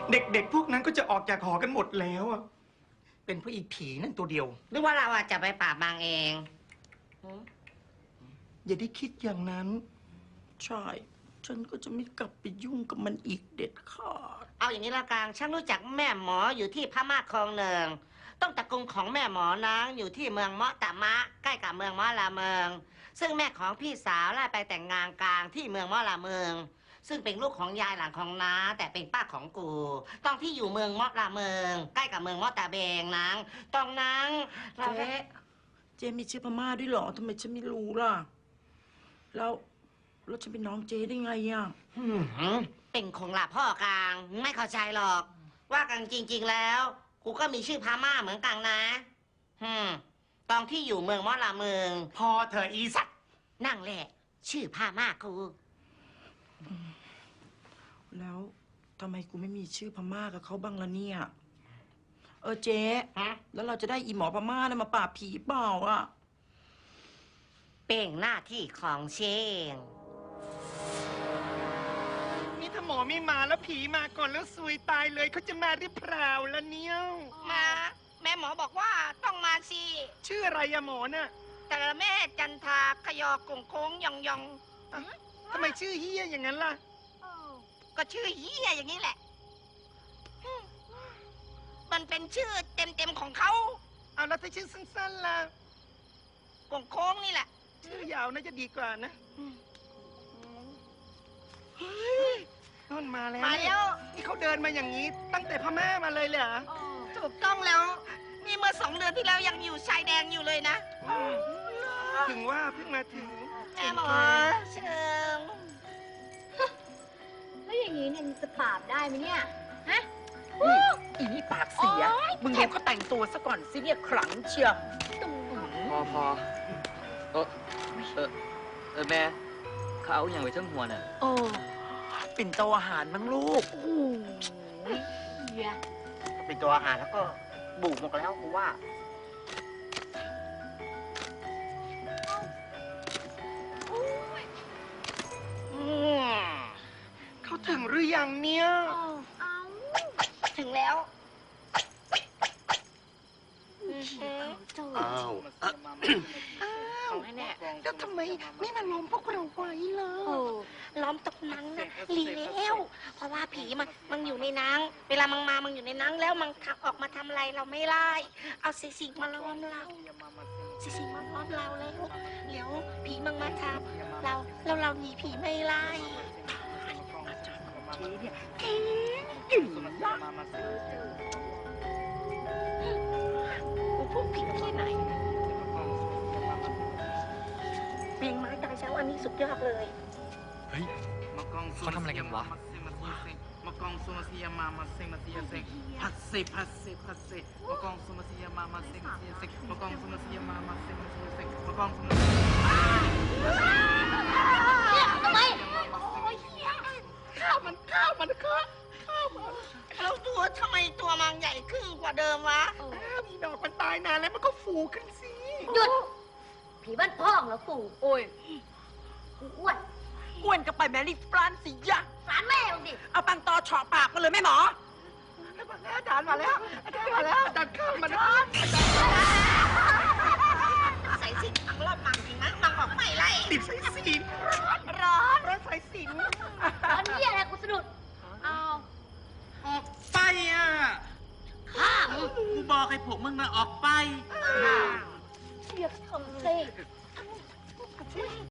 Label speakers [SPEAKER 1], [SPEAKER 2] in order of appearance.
[SPEAKER 1] เด็กๆพวกนั้นก็จะออกจากหอกันหมดแล้วอะเป็นเพราะอีผีนั่นตัวเดียว
[SPEAKER 2] หรือว่าเราจะไปปราบมางเอง
[SPEAKER 1] อย่าได้คิดอย่างนั้น
[SPEAKER 3] ใช่ ฉันก็จะไม่กลับไปยุ่งกับมันอีกเด็ดขาด
[SPEAKER 2] เอาอย่างนี้ละกันฉันรู้จักแม่หมออยู่ที่พม่าคลองหนึ่งต้องตระกูลของแม่หมอนางอยู่ที่เมืองเมาะตะมะใกล้กับเมืองเมาะลาเมืองซึ่งแม่ของพี่สาวไล่ไปแต่งงานกลางที่เมืองเมาะลาเมืองซึ่งเป็นลูกของยายหลานของน้าแต่เป็นป้าของกูต้องที่อยู่เมืองเมาะลาเมืองใกล้กับเมืองเมาะตะเบงนางตรงนั้น
[SPEAKER 3] เจ๊มีชื่อพม่าด้วยเหรอทำไมฉันไม่รู้ล่ะแล้วฉันเป็นน้องเจ๊ได้ไงอ่ะ
[SPEAKER 2] เป็นคงหลับพ่อกลางไม่เข้าใจหรอกว่ากันจริงๆแล้วกูก็มีชื่อพม่าเหมือนกันนะตอนที่อยู่เมืองมอลาเมือง
[SPEAKER 1] พอเธออีสัตว์
[SPEAKER 2] นั่งแหละชื่อพม่ากู
[SPEAKER 3] แล้วทำไมกูไม่มีชื่อพม่ากับเขาบ้างล่ะเนี่ยเจ๊แล้วเราจะได้อีหมอพม่าเนี่ยมาปราบผีเปล่าอ่ะ
[SPEAKER 2] เป็นหน้าที่ของเชง
[SPEAKER 1] นี่ถ้าหมอไม่มาแล้วผีมาก่อนแล้วซวยตายเลยเขาจะมาหรือเปล่าล่ะเนี่ย
[SPEAKER 2] มาแม่หมอบอกว่าต้องมาสิ
[SPEAKER 1] ชื่ออะไรอะหมอน่ะ
[SPEAKER 2] แต่แม่จันทาขยอกงโค้งยองยอง
[SPEAKER 1] ทำไมชื่อเฮียอย่างนั้นล่ะ
[SPEAKER 2] ก็ชื่อเฮียอย่างนี้แหละมันเป็นชื่อเต็มของเขา
[SPEAKER 1] เอาแล้วถ้าชื่อสั้นๆล่ะ
[SPEAKER 2] กงโค้งนี่แหละ
[SPEAKER 1] ชื่อยาวน่าจะดีกว่านะเฮ้ยนมาแล้วนี่เขาเดินมาอย่างนี้ตั้งแต่พม่ามาเลยเหรอ
[SPEAKER 2] ถูกต้องแล้วนี่เมื่อ2 เดือนที่แล้วยังอยู่ชายแดนอยู่เลยนะ
[SPEAKER 1] ถึงว่าเพิ่งมาถึง
[SPEAKER 2] แม่หมอเชิญ
[SPEAKER 4] แล้วอย่างนี้เนี่ยจะปราบได้ไหมเนี่ยฮะ
[SPEAKER 3] อีนี่ปากเสียมึงเห็นเขาแต่งตัวซะก่อนสิเนี่ยขลังเชียว
[SPEAKER 5] พอแม่เขาเอาอย่างไว้ทั้งหัวน่ะ
[SPEAKER 3] เป็นโต๊ะอาหารมั้งลูก
[SPEAKER 2] เป็นตัวอาหารแล้วก็บุกหมดแล้วกูว่า
[SPEAKER 1] เขาถึงหรือยังเนี่ย
[SPEAKER 2] ถึงแล้ว
[SPEAKER 1] อ้าวแล้วทำไมไม่มาล้อมพวกเราไว้ล่ะ
[SPEAKER 2] ล้อมตกนังนะลีแล้วเพราะว่าผีมันอยู่ในนังเวลามันอยู่ในนังแล้วมันออกมาทำอะไรเราไม่ไล่เอาสิ่งมาล้อมเราสิ่งมาล้อมเราแล้วเดี๋ยวผีมันมาทำเราหนีผีไม่ไล่
[SPEAKER 3] ทีเนี่ยกิ่งละ
[SPEAKER 2] กูพูดผิดที่ไหนเพลงไม้ตายเช้าอันนี้สุดยอดเลย
[SPEAKER 5] เฮ้ยเขาทำอะไรกันวะ
[SPEAKER 6] มากองสุมาซียามามาเซมาซียาเซพัดเซมากองสุมาซียามามาเซมาซียาเซมากองสุมาซียามามาเซมาซียาเซมากองสุมาซี
[SPEAKER 4] ทำไม
[SPEAKER 2] ข้าวมันแล้วทำไมตัวมันใหญ่ขึ้นกว่าเดิมวะ
[SPEAKER 1] มีดอกมันตายนานแล้วมันก็ฟูขึ้นสิ
[SPEAKER 4] หยุดผีบ้านพ่องแล้วปู่
[SPEAKER 3] โอ้ย
[SPEAKER 4] อ้วน
[SPEAKER 3] ก็ไปแมรี่ฟรานสิยะ
[SPEAKER 4] ฟรานแม่ดิ
[SPEAKER 3] เอาปังตอเฉาะปากมาเลยแม่หมอ
[SPEAKER 1] อาจารย์มาแล้วอาจารย์ข้าวมัน
[SPEAKER 2] ใส่สินมังรอบมังจริงนะมังบอกไม่ไล่
[SPEAKER 1] ติดใส่สิน
[SPEAKER 2] ร้อน
[SPEAKER 1] ใส่สิน
[SPEAKER 4] ตอนนี้อะไรกูสะดุดเอา
[SPEAKER 6] ออกไปอ่ะ
[SPEAKER 4] ข้าม
[SPEAKER 6] กูบอกให้พวกมึงมาออกไป
[SPEAKER 4] เรียกทำสิ